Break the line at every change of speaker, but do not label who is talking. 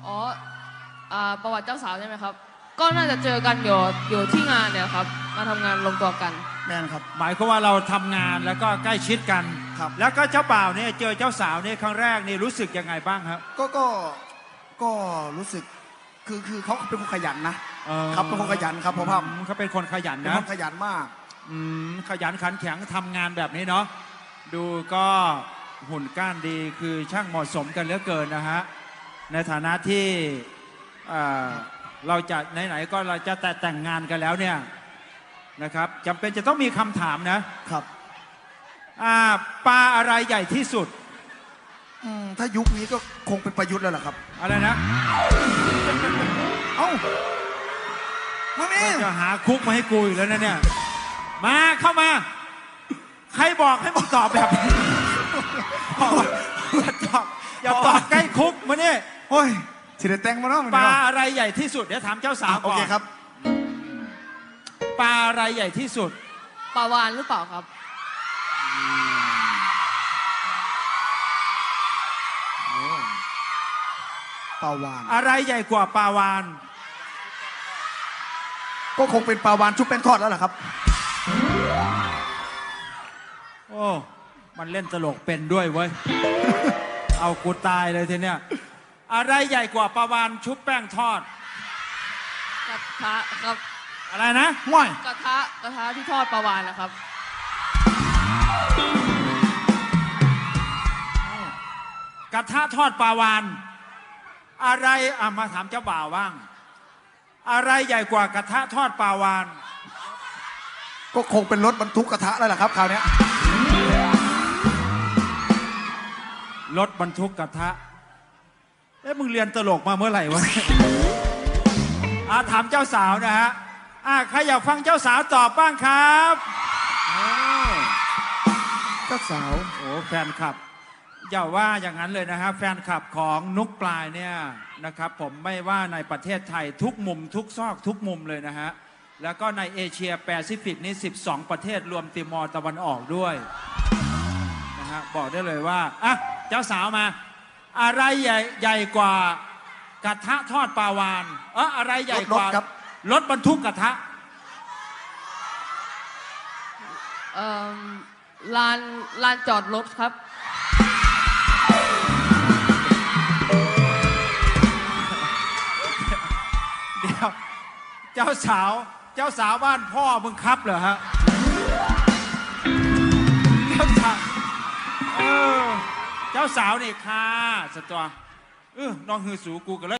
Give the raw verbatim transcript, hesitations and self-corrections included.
อ๋ออ่าประวัติเจ้าสาวใช่ไหมครับก็น่าจะเจอกันอยู่อยู่ที่งานเนี่ยครับมาทำงานลงตัวกัน
แม่นครับ
หมายความว่าเราทำงานแล้วก็ใกล้ชิดกัน
ครับ
แล้วก็เจ้าบ่าวเนี่ยเจอเจ้าสาวเนี่ยครั้งแรกนี่รู้สึกยังไงบ้างครับ
ก็ก็ก็รู้สึกคือคือเขาเป็นคนขยันนะครับเป็นคนขยันครับพ่อพ่อ
เขาเป็นคนขยัน
เป็น
นะ
คนขยันมาก
อืมขยันขันแข็งทำงานแบบนี้เนาะดูก็หุ่นก้านดีคือช่างเหมาะสมกันเหลือเกินนะฮะในฐานะที่เราจะไหนๆก็เราจะแต่แต่งงานกันแล้วเนี่ยนะครับจำเป็นจะต้องมีคำถามนะครับปลาอะไรใหญ่ที่สุด
ถ้ายุคนี้ก็คงเป็นประยุทธ์แล้วล่ะครับ
อะไรนะ
เอ้ามาเนี่ย
จะหาคุกมาให้กูอยู่แล้วนะเนี่ยมาเข้ามาใครบอกให้มึงตอบแบบอย่าตอบอย่าตอบใกล้คุกมาเนี่ย
โอ้ยสิเดแตงมาเนาะ
ปลาอะไรใหญ่ที่สุดเดี๋ยวถามเจ้าสาวก่อน
โอเคครับ
ปลาอะไรใหญ่ที่สุด
ปลาวาฬหรือเปล่าครับ
ปลาวาฬ
อะไรใหญ่กว่าปลาวาฬ
ก็คงเป็นปลาวาฬชุบแป้งทอดแล้วล่ะครับ
โอ้มันเล่นตลกเป็นด้วยเว้ยเอากูตายเลยทีเนี้ยอะไรใหญ่กว่าปลาวาฬชุบแป้งทอด
กระทะครับ
อะไรนะ
ห่วย
กระทะกระทะที่ทอดปลาวาฬนะครับ
กระทะทอดปลาวาฬอะไรอ่ะมาถามเจ้าบ่าวบ้างอะไรใหญ่กว่ากระทะทอดปลาวาฬ
ก็คงเป็นรถบรรทุกกระทะแล้วล่ะครับคราวนี้
รถบรรทุกกระทะเอ๊ะมึงเรียนตลกมาเมื่อไหร่วะอ่ะถามเจ้าสาวนะฮะอ่ะใครอยากฟังเจ้าสาวตอบบ้างครับ
เจ้าสาว
โอ้แฟนคลับอย่าว่าอย่างนั้นเลยนะฮะแฟนคลับของนุกปลายเนี่ยนะครับผมไม่ว่าในประเทศไทยทุกมุมทุกซอกทุกมุมเลยนะฮะแล้วก็ในเอเชียแปซิฟิกนี่สิบสองประเทศรวมติมอร์ตะวันออกด้วยนะฮะบอกได้เลยว่าอ่ะเจ้าสาวมาอะไรใหญ่ใหญ่กว่ากระทะทอดปลาวาฬเอออะไรใหญ่กว่ารถบรรทุกกระทะ
เอ่อลานลานจอดรถครับ
เดี๋ยวเจ้าสาวเจ้าสาวบ้านพ่อมึงครับเหรอฮะเจ้าสาวเออเจ้าสาวนี่ค่ะสตวเออน้องฮือสูกูกันเลย